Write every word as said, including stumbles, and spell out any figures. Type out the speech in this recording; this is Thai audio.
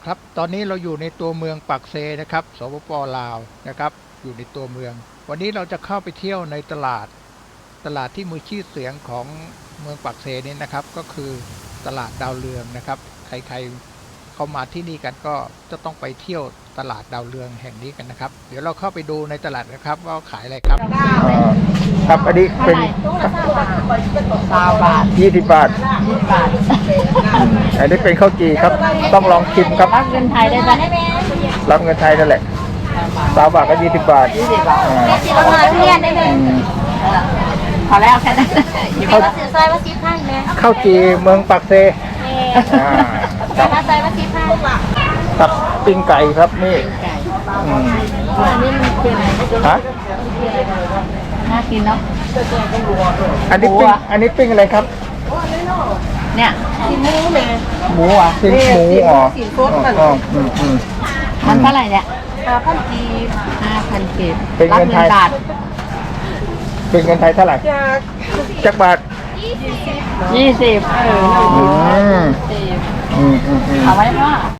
ครับตอนนี้เราอยู่ในตัวเมืองปากเซนะครับสปป.ลาวนะครับอยู่ในตัวเมืองวันนี้เราจะเข้าไปเที่ยวในตลาดตลาดที่มีชื่อเสียงของเมืองปากเซนี้นะครับก็คือตลาดดาวเรืองนะครับใครๆเข้ามาที่นี่กันก็จะต้องไปเที่ยวตลาดดาวเรืองแห่งนี้กันนะครับเดี๋ยวเราเข้าไปดูในตลาดนะครับว่าขายอะไรครับครับอันนี้เป็นสามบาทยี่สิบบาทยี่สิบบาทอันนี้เป็นข้าวจี่ครับต้องลองชิมครับรับเงินไทยได้ไหมรับเงินไทยนั่นแหละสามบาทก็ยี่สิบบาทยี่สิบบาทประมาณเรียนได้เลยพอแล้วแค่นั้นเขาสื่อซอยว่าซีพันไหมข้าวจี่เมืองปากเซถ้าซอยว่าซีพันตับปิ้งไก่ครับนี่อันนี้มันเป็นฮะน่ากินเนาะอันนี้ปิ้งอันนี้ปิ้งอะไรครับเนี่ยซีหมูเลยหมูอ่ะปิ้งหมูอ๋ออ๋ออืมอืมมันเท่าไหร่เนี่ยห้าพันกีบห้าพันเก็บเป็นเงินไทยเป็นเงินไทยเท่าไหร่จักบาทยี่สิบอืมอืมอืมเอาไว้ว่า